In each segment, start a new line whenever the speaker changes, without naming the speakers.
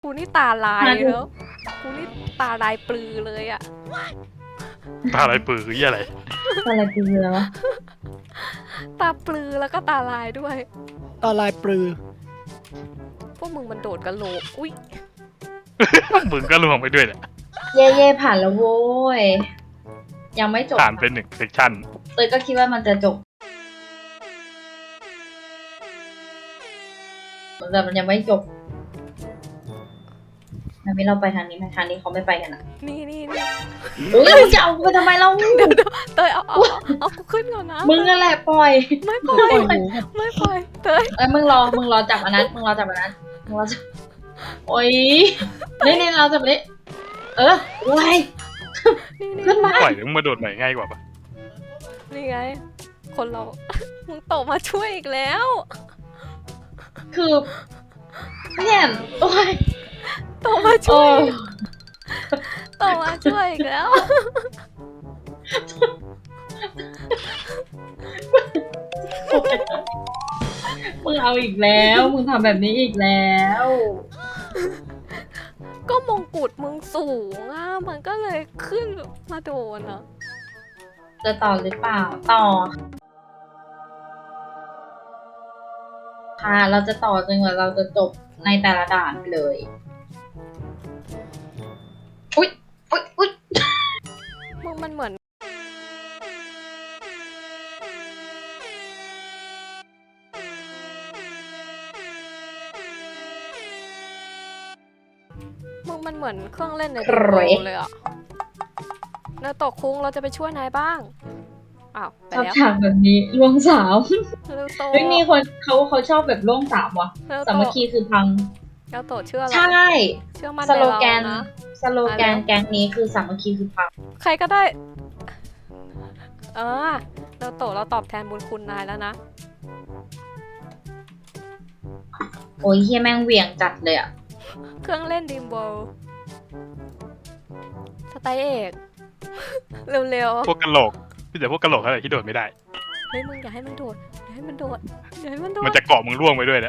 กูนี่ตาลายแล้วกูนี่ตาลายปลือเลยอะ
ตาอะไรปือคืออะไร
อะไรคือแล้วะ
ตาปลือแล้วก็ตาลายด้วย
ตาลายปลือ
พวกมึงมันโดดกระโหลกอุ้ย
มึงก็ลวงไปด้วยแหละ
เย่เย่ผ่านแล้วโว้ยยังไม่จบ
ผ่านเป็น1 เซกชัน
เตยก็คิดว่ามันจะจบแต่มันยังไม่จบงั้นเราไปทางนี้ไหมทางนี้เขาไม่ไปกันอ่ะ
นี่
อุ้ยมึงจะเอากูไปทำไมเรา
เตยเอากูขึ้นก่อนนะ
มึงนั่นแหละปล่อย
ไม่ป
ป
ล่
ล่
อ
อย ยหมู
ไม่ปล่อยเตย
มึงรอจับอันนั้นมึงรอจับโอ้ยนี่เราจับนี้โอ้ย
นี่
ขึ้นมา
ปล่อยมึงมาโดดใหม่ง่ายกว่าปะ
นี่ไง คนเรา มึงโตมาช่วยอีกแล้ว
คือเนี่ยโอ้ย
โตมาช่
โอ้
วย
ย
โตมาช่วยอีกแล้ว
มึงเอาอีกแล้วมึงทำแบบนี้อีกแล้ว
ก็มงกุฎมึงสูงอ่ะมันก็เลยขึ้นมาโดนอ่ะ
จะต่อหรือเปล่าต่อค่ะเราจะต่อจนกว่าเราจะจบในแต่ละด่านไปเลยอุ๊ย
มึงมันเหมือนมึงมันเหมือนเครื่องเล่นในดิโก้เลยอ่ะเนอตกคุ้งเราจะไปช่วยนายบ้างอ้าวไป
ชอบ
แล้ว
ฉากแบบนี้ล่วงสาม
เร็วโต
เฮ้ยมีคนเขาชอบแบบล่วงสามว่ะ
เร็ว
สา
โต
มัคคีคือพัง
เร็วโตเชื่อเรา
ใช่
เชื่อมัน
ส
ใน
โล
เรา
แกน
นะ
สโลแกนแกงนี้คือสามัคคีคือพัง
ใครก็ได้เร็วโตเราตอบแทนบุญคุณนายแล้วนะ
โอ้ยเฮียแม่งเหวี่ยงจัดเลยอ่ะ
เครื่องเล่นดีมโบลสไตล์เอก เร็ว
พวกกะโหลกพี่แต่พวกกะโหลกอะไรที่โดดไม่ได้
ๆเฮ้ยมึงอย่าให้มันโดดอย่าให้มันโดดอย่าให้มันโดด
มันจะเกาะมึงล่วงไปด้วยแหละ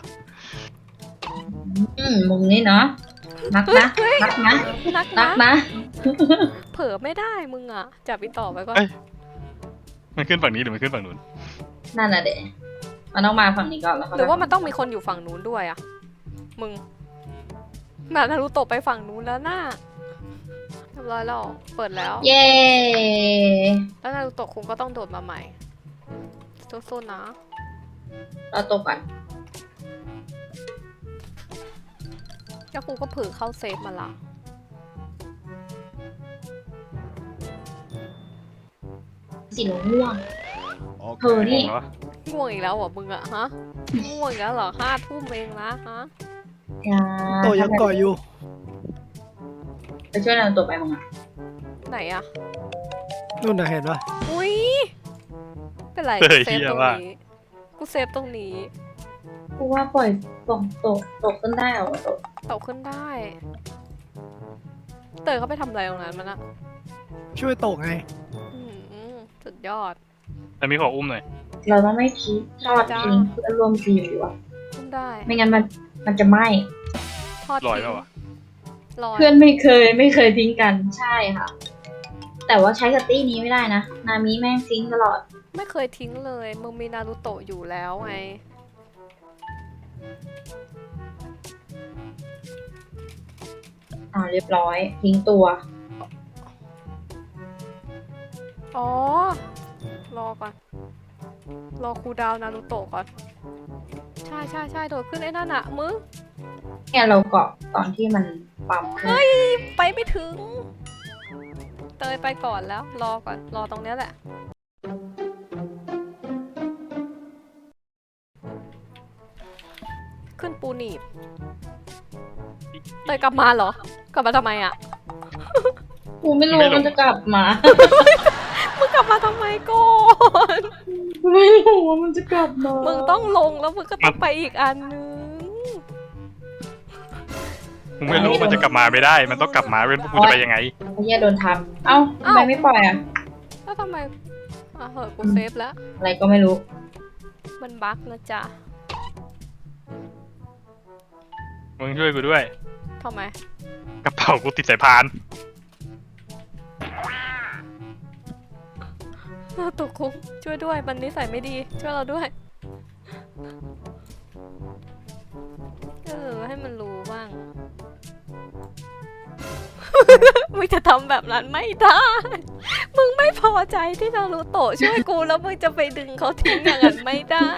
มุมนี้เนาะนักนะนักนะ
นัก
นัก
นะ
นะ
เผลอไม่ได้มึงอ่ะจับอีต่อไปก่อน
มันขึ้นฝั่งนี้หรือมันขึ้นฝั่งนู้น
นั่นน่ะเด็มันต้องมาฝั่งนี้ก่อนแล้ว
หรือว่ามันต้องมีคนอยู่ฝั่งนู้นด้วยอ่ะมึงนารูโตะไปฝั่งนู้นแล้วน่าเรียบร้อยแล้วเปิดแล้ว
เย้
แล้วนารูโตะคงก็ต้องโดดมาใหม่สู้ๆนะ
เราตกก่อน
แล้วกูก็เผือเข้าเซฟมาละ
สีม่วง เธอนี่
งงแล้ววะ
ง่วงอีกแล้วเหรอมึงอะฮะง่วงอีกแล้วเหรอ5 ทุ่มเองนะฮะ
อย่า
โตยังก่ออยู่
ไปช่วยเราตกไปมึงอ่ะ
ไหนอะ
นู่นน่ะเห็นปะ
อุ้ยเป็นไร
เฮ้ย
เซฟ
เฮีย
ตรง
ว่า
นี้กูเซฟตรงนี้
กูว่าปล่อยตกขึ้นได้เหรอตก
ตกขึ้นได้ เตยเขาไปทำอะไรตรงนั้นมันอะ
ช่วยโตไง
อื้อหือสุดยอด
แต่มีขออุ้มหน่อย
เราต้องไม่ทิ้งทอดทิ้งเพื่อนร่วมทีมดีกว่า
ขึ้นได้
ไม่งั้นมันจะไหม้
ทอด
ลอย
ทิ้ง
แล้ววะ
ลอย
เพื่อนไม่เคยทิ้งกันใช่ค่ะ แต่ว่าใช้กับตี้นี้ไม่ได้นะ นามิแม่งทิ้งตลอด
ไม่เคยทิ้งเลยมึงมีนารูโตะอยู่แล้วไง
เรียบร้อย ทิ้งตัว
อ๋อรอก่อนรอครูลดาวน์นารูโตะก่อนใช่โดดขึ้นไอ้นั่นอะมึง
เนี่ยเราเกาะตอนที่มันปั๊มขึ้น
ไปไม่ถึง เตยไปก่อนแล้ว รอก่อน รอตรงเนี้ยแหละ ขึ้นปูหนีบ เตยกลับมาเหรอ กลับมาทำไมอ่ะ
กูไม่รู้มันจะกลับมา
มึงกลับมาทำไมก่อน
ไม่รู้ว่ามันจะกลับมา
มึงต้องลงแล้วมึงก็ต้องไปอีกอันนึง
มึงไม่รู้มันจะกลับมาไม่ได้ มันต้องกลับมาเว้นพวกกูจะไปยังไง
ไอ้เหี้ยโดนทำเอ้าทำไมไม่ปล่อยอ่ะ
แล้วทำไมเหอะกูเซฟแล้ว
อะไรก็ไม่รู้
มันบั๊กนะจ๊ะ
มึงช่วยกูด้วย
ทำไม
กระเป๋ากูติดสายพาน
เราตกคุกช่วยด้วยมันนิสัยไม่ดี ช่วยเราด้วย ให้มันรู้บ้าง มึงจะทำแบบนั้นไม่ได้ มึงไม่พอใจที่นารูโตะช่วยกูแล้วมึงจะไปดึงเขาทิ้งอย่างนั้นไม่ได้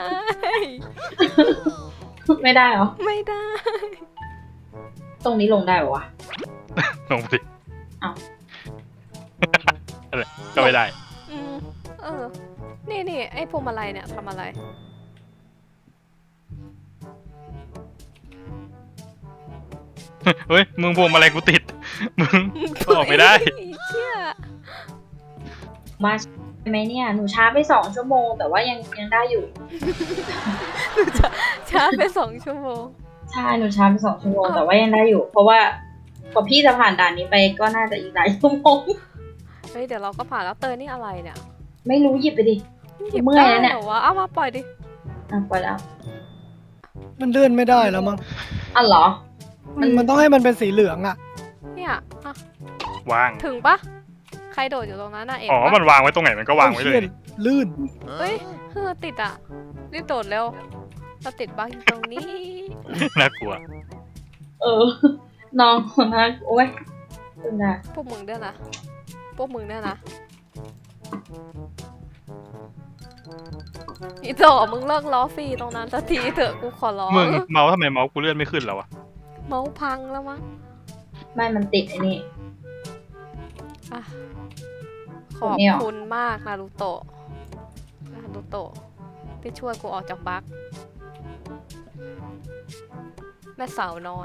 ไม่ได้เหรอ
ไม่ได้
ตรงนี้ลงได้ปะวะ
ลงไปสิ
อ้าว
อะไรก็ไม่ได้
อืมนี่ไอ้พวงมาลัยเนี่ยทำอะไร
เฮ้ย มึงพวงมาลัยกูติด มึงก็ออกไม่ได้
เชี่ย
มาใช่ไหมเนี่ย หนูช้าไป2 ชั่วโมง แต่ว่ายังได้อยู่
ช้าไป2 ชั่วโมง
ใช่ หนูช้าไป2 ชั่วโมง แต่ว่ายังได้อยู่ เพราะว่ากว่าพี่จะผ่านด่านนี้ไปก็น่าจะอีกหลายชั่วโมง
เฮ้ยเดี๋ยวเราก็ผ่านแล้วเตยนี่อะไรเนี่ย
ไม่รู้หยิบไปดิ
หยิบ
เมื่อย
ได้
แล้วเนี่ย
เหรอวะเอามาปล่อยดิ
อ่ะปล่อยแล้ว
มันเลื่อนไม่ได้แล้วมั้ง
อ๋อเหรอ
มันต้องให้มันเป็นสีเหลืองอ่ะ
เนี่ยอ่ะ
วาง
ถึงปะใครโดดอยู่ตรงนั้นน่ะเอง
อ๋อ
ปะ
มันวางไว้ตรงไหนมันก็วางไว้เลย
ลื่น
เฮ้ยติดอ่ะรีบโดดเร็วเราติดบั๊กอยู่ตรงนี้
น่ากลัว
เออ น้องนะโอ้ยตึงนะ
พวกมึงเนี่ยนะพวกมึงเนี่ยนะอีโตมึงเลิกล้อฟรีตรงนั้นสักทีเถอะกูขอร้อง
มึงเมาส์ทำไมเมาส์กูเลื่อนไม่ขึ้นแล้วอะ
เมาส์พังแล้วมั้ง
ไม่มันติดไอ้นี่
อ่ะข
ผม
อบ
ไม่ออก
คุณมากนารูโตะที่ช่วยกูออกจากบั๊กแม่สาวน้อย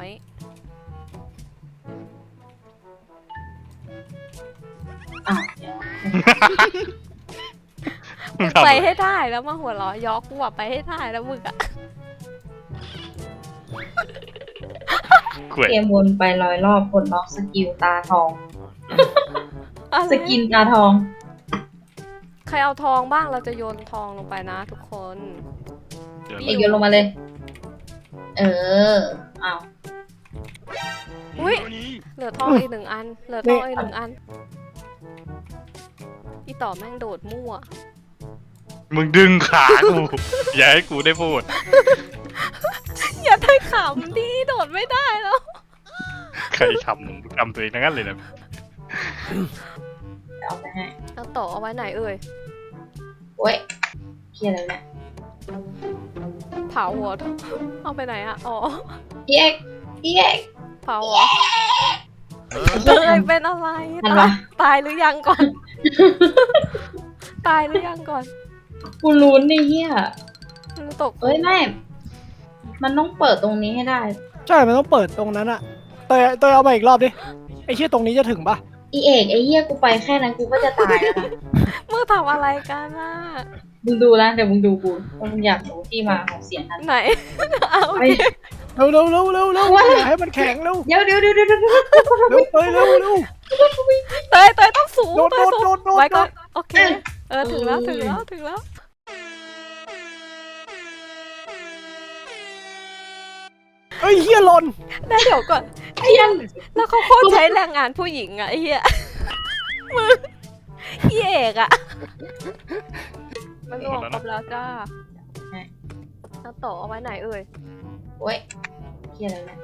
อ้าว
มึงทำ
ไป
อะไร
ให้ได้แล้วมาหัวเราะยอกกูอะไปให้ได้แล้วมึงอะ
ขวย
เกมวนไป100 รอบผลล็อกสกิลตาทอง
อะไร
สกินตาทอง
ใครเอาทองบ้างเราจะโยนทองลงไปนะทุกคน
เดี๋ยว
เอกโยนลงมาเลย เอออ้าว
อุ้ยเหลือทองอีก1 อัน เหลือทองอีก1 อันอีต่อแม่งโดดมั่ว
มึงดึงขากู อย่าให้กูได้พูด
อย่าได้ขำดิโดดไม่ได้แล้ว
ใครทำตัวเองทั้งนั้นเลยนะ
เดี๋ยวเอาไปให้
เอาต่อเอาไว้ไหนเอ่ย
โอ้ยเครียดอะไรเนี่ย
เผาหัวเอาไปไหนอะอ๋อ
พี่เอกพี่เอก
เผาหัวเตยเป็นอะไร
ทันวะ
ตายหรือยังก่อน ตายหรือยังก่อน
กูลุ้นนี่เฮีย
มันตก
เอ้ยไม่ มันต้องเปิดตรงนี้ให้ได้
ใช่ มันต้องเปิดตรงนั้นอ่ะเตยเอามาอีกรอบดิ ไอ้เชี่ยตรงนี้จะถึงปะ
อีเอกไอเฮียกูไปแค่นั้นกูก็จะตายแล้วนะ
มึงทำอะไรกันน่ะ
มึงดูแล้วเดี๋ยวมึงดูกูว่ามึงอยากรู้ที่มาของเสียงนั้น
ไหน เอา
ไป
เร็วอย่าให้มันแข็งเร็ว
เดี๋ยว
เร็วเตยเร็ว
เตยต้องสูง
โดด
เตยสูง
โดด
ไว้ก่อนโอเค ถึงแล้ว
เอ้ยเฮียหล่น
ได้เดี๋ยวก่อน
เพี้ยน
แล้วเขาโคตรใช้แรงงานผู้หญิงอะไอ้เหี้ย มึงพี่เอกอะมันรวมครบแล้วจ้าแล้วต่อเอาไว้ไหนเอ่ย
โอ้ยเครียดอะไรเนี่ย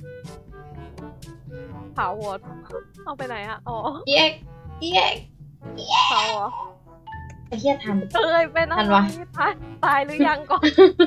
เผาหัวเอาไปไหนอะอ๋อ
อีเอกอีเอก
เผาเหรอ
ไอเฮียทัน
เอ้ยเป็นอะ
ทัน
ไร
วะ
ตายหรือยังก่อน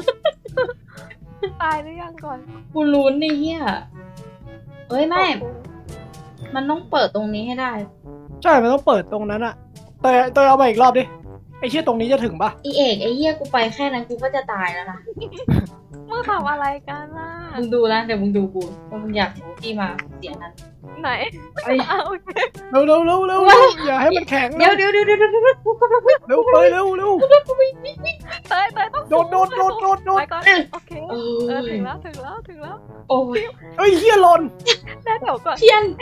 ตายหรือยังก่อน
กูลุ้นนี่เฮียเอ้ยไม่ มันต้องเปิดตรงนี้ให้ได้
ใช่ มันต้องเปิดตรงนั้นอ่ะเตยเอามาอีกรอบดิ ไอ้เชี่ยตรงนี้จะถึงปะ
อีเอกไอเฮียกูไปแค่นั้นกูก็จะตายแล้วนะ
มึงทำอะไรกันล่ะ
มึงดูแล้วเดี๋ยวมึงดูกูว่ามึงอยากรู้ที่มาของเสียงนั้น
ไหน
ไอ้
เอาโอเค
เร็วอย่าให้มันแข็ง
เดี๋ยวกูกำลัง
เร็วเตยเร็ว
เตยต้อง
โดด
ไว้ก่อนโอเค ถึงแล้ว
โอ้ย
เอ้ยเฮียหล่น
ได้เดี๋ยวก่อน
เพี้ยน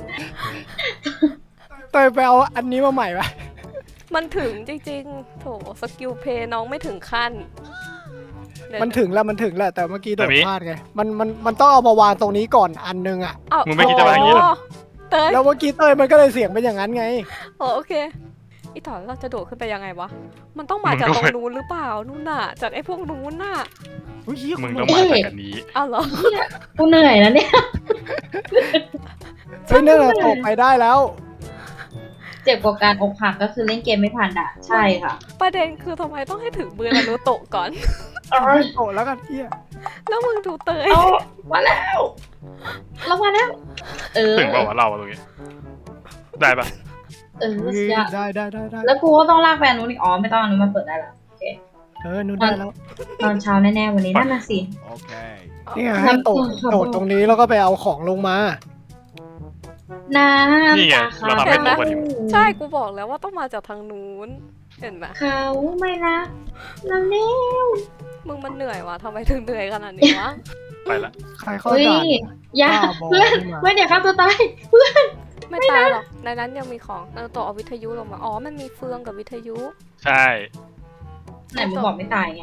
เตยไปเอาอันนี้มาใหม่ปะ
มันถึงจริงๆ โถสกิลเพย์น้องไม่ถึงขั้น
มันถึงแล้วมันถึงแล้วแต่เมื่อกี้โดดพลาดไงมันต้องเอามาวางตรงนี้ก่อนอันนึงอ่ะ
มึงไม่คิดจะวางอย่างนี้เหรอ
เตย
แล้วเมื่อกี้เต้ยมันก็เลยเสียงเป็นอย่างนั้นไง
โอเคอีต่อเราจะโดดขึ้นไปยังไงวะมันต้องมาจากตรงนู้นหรือเปล่านู่นน่ะจากไอ้พวกนู้นน่ะ
อุ๊ยเหี้ย
มึงต้องมาจากกันนี้
อ้าวเหรอ
กูเหนื่อยแล้วเนี่ย
เฮ้ยเนี่ยเราตกไปได้แล้ว
เจ็บกว่าการอกหักก็คือเล่นเกมไม่ผ่านด่านใช่ค่ะ
ประเด็นคือทำไมต้องให้ถึงมือนารูโตะก่อน
โตะแล้วกันเหี้ย
แล้วมึงดูเตย
เอามาแล้วเรามาแล้ว
ถึงเปล่าวะเราตรงนี้ ได้ปะ
สุดยอด
ได้
แล้วกูก็ต้องลากแฟนนู้นอีกอ๋อไม่ต้องอันนู้นมาเปิดได้ละ
นู่นได้แล้ว
ตอนเช้าแน่ๆวันนี้นั่นน่ะสิ
นี่ไงให้โดดตรงนี้แล้วก็ไปเอาของลงมา
น้ำ
นี่ไง
ตา
เราทำให้ตกพอดี
ใช่กูบอกแล้วว่าต้องมาจากทางนู้นเห็นไหม
เขาไม่รักเราเร็ว
มึงมันเหนื่อยวะทำไมถึงเหนื่อยขนาดนี้วะ
ไปละ
ใครเข้า
เฮ้ย
ด่าน
อย่า
บ้าบอ
เพื่อน
นี่มา
เพื่อนอย่าฆ่าตัวตาย
ไม่ตายหรอกในนั้นยังมีของนารูโตะเอาวิทยุลงมาอ๋อมันมีเฟืองกับวิทยุ
ใช่
ไหนมึงบอกไม่ตายไง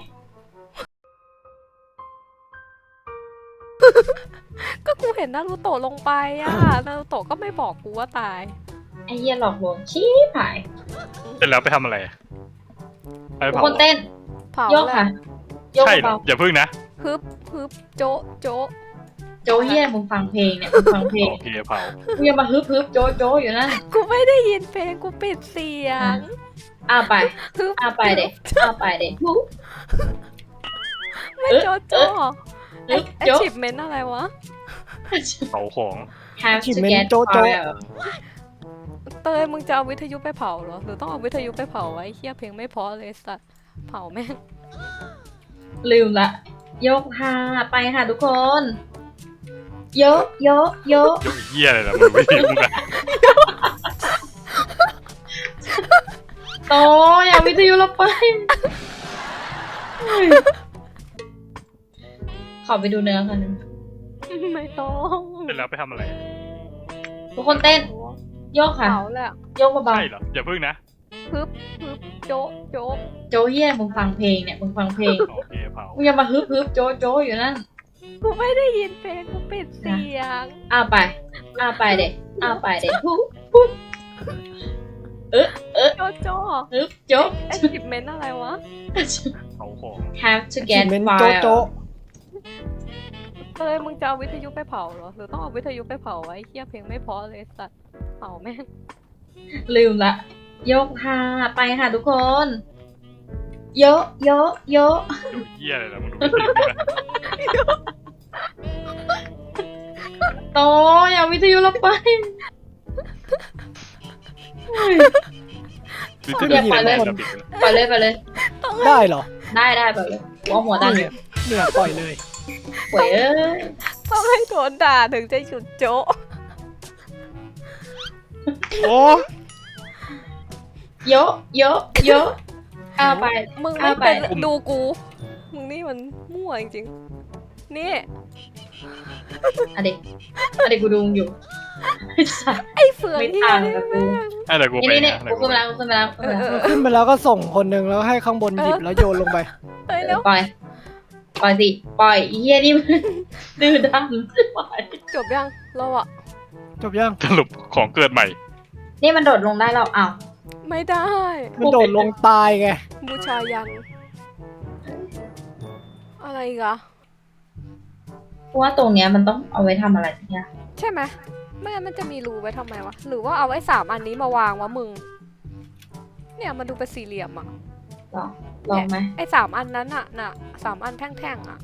ก็กูเห็นนารูโตะลงไปอ่ะนารูโตะก็ไม่บอกกูว่าตาย
ไอ้เหี้ยหลอกลวงชี้ผาย
เสร็จแล้วไปทำอะไรไป
ทุก
เผา
คนเต้น
เผา
โยก
แห
ค่ะ
ละ
โยก
ใช่เหรอ
เบา
อย่าพึ่งนะ
ฮึบโจะโจะ
ๆโจเหี้ยมึงฟังเพลงเนี่ยมึงฟังเพลง
โอเคเผา
มึงอย่ามาฮึบโจอยู่นั่น
กูไม่ได้ยินเพลงกูปิดเสียง
อ้าไป
ฮึบ
อ้าไปเด็กอ้าไปเด็ก
ไม่โจะโจะไอ้
โจ๊ะ
ชิปเมนอะไรวะ
เผาของ
have
ชิ
to
เมน
get
โจ๊ะ
fire
เตยมึงจะเอาวิทยุไปเผาเหรอหรือต้องเอาวิทยุไปเผาไว้เฮียเพลงไม่เพอเลยสัตว์เผาแม่ง
ลืมละยกค่ะไปค่ะทุกคนโยก
ยกเหี้ยเลยนะมึงไม่ถึงมึงอะ
โตอย่าวิทยุเราไปเฮ้ยขอไปดูเนื้อกันง
ไม่ต้อง
เสร็จแล้วไปทำอะไร
ทุกคนเต้นโยกค่ะ
เผาแหละ
โยกเบา
ใช่เหรออย่าพึ่งนะ
ฮึบโจะโจะ
ๆโจเฮียมึงฟังเพลงเนี่ยมึงฟังเพลง
โอเคเผา
มึงอย่ามาฮึบโจอยู่นั่น
กูไม่ได้ยินเพลงกูปิดเสียง
อ้าไปเด็กอ้าไปเด็กฮึบ
โจะโจะ
ฮึบโจ
ไอ้ชิปเมนอะไรวะ
เผาของ
have to
ชิ
get
เมน
fire
โจ๊ะ
เตยมึงจะเอาวิทยุไปเผาเหรอหรือต้องเอาวิทยุไปเผาไว้เฮียเพลงไม่เพอเลยสัตว์เผาแม่ง
ลืมละยกค่ะไปค่ะทุกคนโย
เหี้ยเลยนะมึงไม่ถึงมึงอะ
โตอย่าวิทยุเราไปเฮ้ย
วิทยุ
อย่าปล่อยเลย
จะปิดไปแล้ว
ไปเลย
ได้เหรอ
ได้ไปเลยหัวหัวดันอยู่
เนี่ยปล่อยเลย
ป่วยเอ้ย
ต้องให้โดนด่าถึงจะหยุดโจะ
โอ้
โยอ้าไป
มึงไม่
เอาไป
เป็นดูกู มึงนี่มันมั่วจริงๆนี่
อะเด็กกูดูมึงอยู่ไอ้สัส
ไอ้เฟือง
ไม่
เฮีย
ต่าง
นี่
กับกู
แม่ง
ไอ้เดี๋ยวกูไป
นี่
นะเดี๋
กู
ยวกู
ขึ้น
ไป
มาแล้วกูขึ้นมาแล้ว
ขึ้นไปแล้วก็ส่งคนหนึ่งแล้วให้ข้างบนหยิบแล้วโยนลงไป
เฮ้ยแล้ว
ปล่อยสิปล่อยอีเหี้ยนี่มันดื้อดันปล่อย
จบยังเราอะ
จบยัง
สรุปของเกิดใหม่
นี่มันโดดลงได้แล้วอ้าว
ไม่ได้
มันโดดลงตายไง
บูชายัน อะไรอีกอะ
เพราะว่าตรงเนี้ยมันต้องเอาไว้ทำอะไรสักอย่าง
ใช่ไหมไม่งั้นมันจะมีรูไว้ทำไมวะ หรือว่าเอาไว้3 อันนี้มาวางวะมึง เนี่ยมันดูเป็นสี่เหลี่ยมอะ
ลองไหม
ไอ้3 อันนั้นอะน่ะ3 อันแท่งๆอะ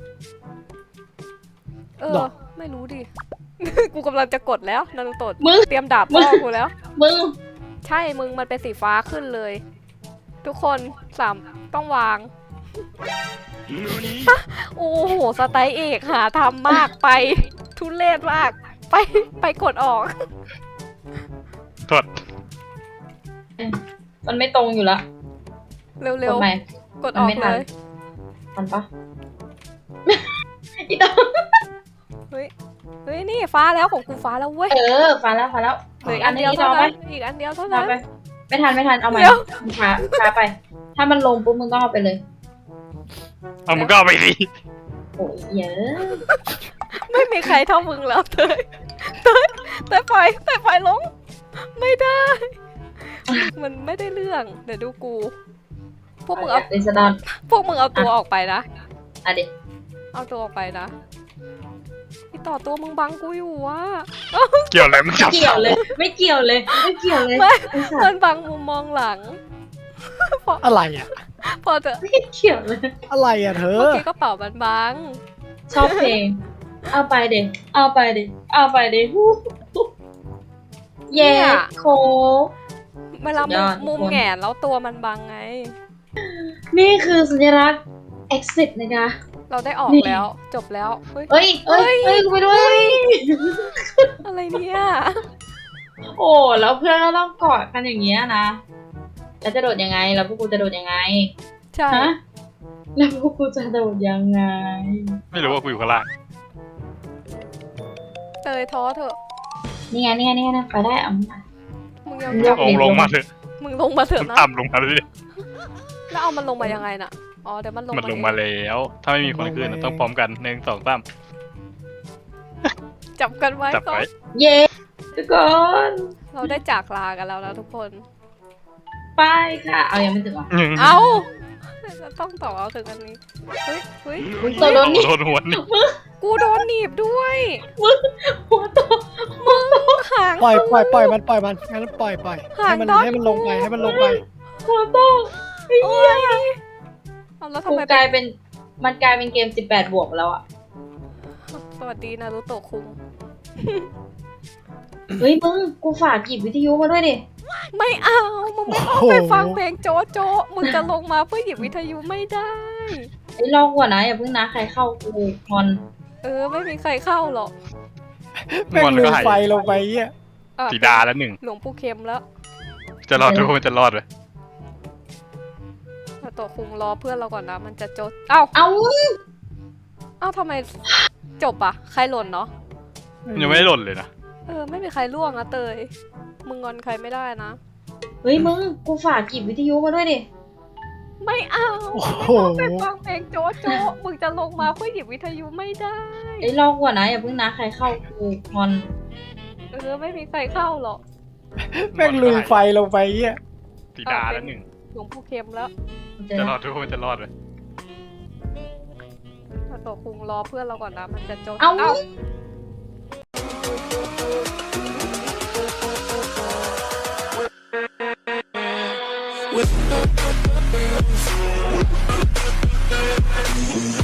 เอ
หร
อ
อ
ไม่รู้ดิ กูกำลังจะกดแล้วนารูโตะ
มึง
เตรียมดาบพ่อกูแล้ว
มึง
ใช่มึงมันเป็นสีฟ้าขึ้นเลย ทุกคนต้องวาง โอ้โหสไตล์เอกหาทำมากไป ทุเรศมาก ไปกดออก
โทษ
มันไม่ตรงอยู่ละ
เร็
ก
ว
ดใหม่
ๆ กดออก
มันไม่ทั
เล
น
ย
ทันปะ อีตา
เฮ้ยนี่ฟ้าแล้วของกูฟ้าแล้วเว้ย
ฟ้าแล้ว
เหลืออีกอันเดียว
ร
เท่า
อไหม
นั้นอีกอันเดียวเท่าร
อ
นั้น
ไปไม่ทันเอาใหม่
เดี๋ยว
ช้าไป ถ้ามันลงปุ๊บมึงต้องเอาไปเลย
เอามึงก็เอาไปดิ
โอ้ยเยอะ
ไม่มีใครเท่ามึงแล้วเตยเตยปล่อยลงไม่ได้ มันไม่ได้เรื่องเดี๋ยวดูกู พวกมึงเอา
เดซดอน
ตัวออกไปนะ
อ่ะเด็ก
เอาตัวออกไปนะพี่ต่อตัวมึงบังกูอยู่วะ
เกี่ยวอะไรมึงจับ
เกี่ยวเลย ไม่เกี่ยวเลย ไม่เกี่ยวเลย
ไม่
ไอ้สั
มั
ต
น
ว์
บังมุมมองหลัง
อะไรอ่ะ
พอเถอะ
ไม่เกี่ยวเลย
อะไรอ่ะเธอ
เมื่อกี้กระเป๋ามันบัง
ชอบเพลง เอาไปเด็กเอาไปเด็กเอาไปเด็กฮู้เย่โค
เวลา
สุดยอด
มุม
ทุกคน
แหงนแล้วตัวมันบังไง
นี่คือสัญลักษณ์ exit นะคะ
เราได้ออก
นี่
แล้ว จบแล้วเฮ้ย
เอ้ยกูไปด้วย
อะไรเนี่ย
โอ้แล้วเพื่อนก็ต้องกอดกันอย่างเงี้ยนะแล้วจะโดดยังไงแล้วพวกกูจะโดดยังไง
ใช่
ฮะแล้วพวกกูจะโดดยังไง
ไม่รู้ว่ากูอยู่ข้างล่าง
เตยท้อเถอะ
นี่ไงนะไปได้เอามา
มึงยัง
ยก
ลงมาเถอะ
มึงลงมาเถ
มึ
อะ
ง
นะ
ต่ำลงมาเลย
แล้วเอามันลงมายังไงน่ะอ๋อเดี๋ยวมันลง
มันลง
เอ
มาแล้ว ถ้าไม่มีคนขึ้นต้องพร้อมกัน1 2 3
จับกันไว้
จับ
ก่อ
ไว้
น
เย้ทุกคน
เราได้จากลากันแล้วนะทุกคน
ไปค่ะเอายังไม่ถึงเหรอ
เอาเราต้องต่อเอาถึงอันนี้เฮ้ย
ตัวโดนนี่
โดนหัวนี่
กูโดนหนีบด้วย
หัวโต
หาง
ปล่อยมันงั้นปล่อยให้มันลงไปให้มันลงไป
หัวโต
โอ้ยเอาแล้วทำ
กู
ไม
กลายเป็นมันกลายเป็นเกม18 บวกแล้วอ่ะ
สวัสดีนารูโตะคุง
เฮ้ยมึงกูฝากหยิบวิทยุมาด้วยดิ
ไม่เอามึงไม่ต้องไปฟังเพลงโจ๊ะโจ๊ะมึงจะลงมาเพื่อหยิบวิทยุไม่ได้
ไอ้ยรอก่อนนะอย่าเพิ่งนะใครเข้ากูงอน
ไม่มีใครเข้าหรอก
แม่งลืมไฟลงไปเงี้ย
อ่ะ
สีดาแล้ว1
หลวงปู่เข็มแล้ว
จะรอดทุกคนจะรอดเลย
นารูโตะคุงรอเพื่อนเราก่อนนะมันจะโจ๊ะเอ้า
เอา
ทำไมจบอ่ะใครหล่นเนาะ
ยังไม่ได้หล่นเลยนะ
ไม่มีใครล่วงอะเตยมึงงอนใครไม่ได้นะ
เฮ้ยมึงกูฝากหยิบวิทยุมาด้วยดิ
ไม่เอา
โอ้โห
ไปฟังเพลงโจ๊ะโจ๊ะมึงจะลงมาเพื่อหยิบวิทยุไม่ได้
ไอ้ยรอก่อนนะอย่าเพิ่งนะใครเข้ากูงอน
ไม่มีใครเข้าหรอก
แม่งลืมไฟลงไปเงี้ย
สีดาแล้ว1
หลวงปู่เข็มแล้ว
จะรอดทุกคนจะรอดเลย
นาโตะคุงรอเพื่อนเราก่อนนะมันจะโจ๊ะ
เอา
เอ้า
With